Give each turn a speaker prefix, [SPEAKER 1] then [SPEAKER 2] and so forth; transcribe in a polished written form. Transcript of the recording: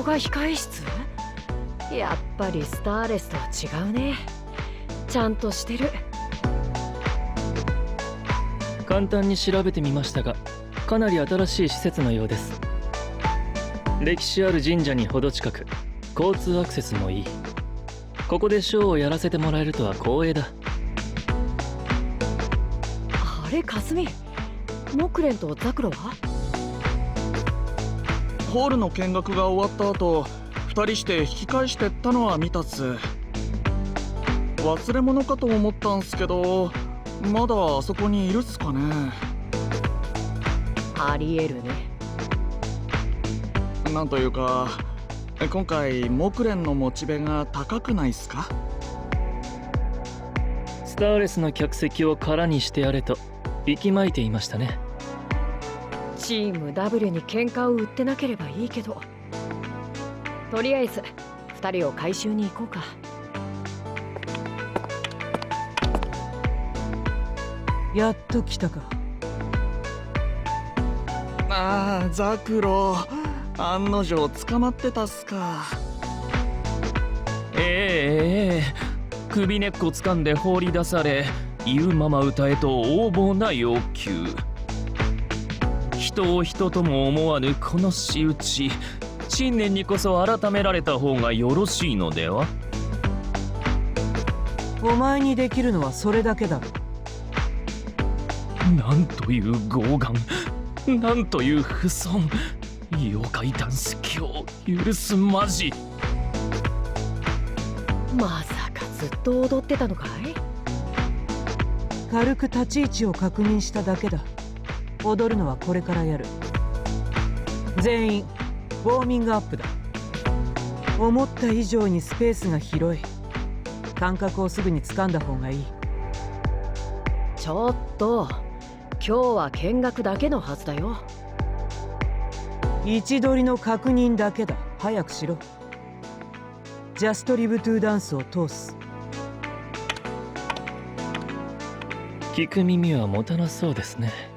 [SPEAKER 1] が控え室？やっぱりスターレスとは違うね。ちゃんとしてる。
[SPEAKER 2] 簡単に調べてみましたが、かなり新しい施設のようです。歴史ある神社に程近く、交通アクセスもいい。ここでショーをやらせてもらえるとは光栄だ。
[SPEAKER 1] あれ、かすみ、モクレンとザクロは？
[SPEAKER 3] ホールの見学が終わった後、2人して引き返してったのは見たっす。忘れ物かと思ったんすけど、まだあそこにいるっすかね。
[SPEAKER 1] ありえるね。
[SPEAKER 3] なんというか、今回モクレンのモチベが高くないっすか？
[SPEAKER 2] スターレスの客席を空にしてやれと息巻いていましたね。
[SPEAKER 1] チーム W に喧嘩を売ってなければいいけど、とりあえず2人を回収に行こうか。
[SPEAKER 4] やっと来たか。
[SPEAKER 3] ああ、ザクロ、案の定捕まってたっすか。
[SPEAKER 5] 首根っこ掴んで放り出され、言うまま歌えと横暴な要求。人を人とも思わぬこの仕打ち、新年にこそ改められた方がよろしいのでは？
[SPEAKER 4] お前にできるのはそれだけだろ。
[SPEAKER 5] なんという傲慢、なんという不遜。妖怪ダンス教許すまじ。
[SPEAKER 1] まさかずっと踊ってたのかい？
[SPEAKER 4] 軽く立ち位置を確認しただけだ。踊るのはこれからやる。全員ウォーミングアップだ。思った以上にスペースが広い。感覚をすぐに掴んだ方がいい。
[SPEAKER 1] ちょっと、今日は見学だけのはずだよ。
[SPEAKER 4] 位置取りの確認だけだ。早くしろ。ジャストリブトゥーダンスを通す。
[SPEAKER 2] 聞く耳は持たなそうですね。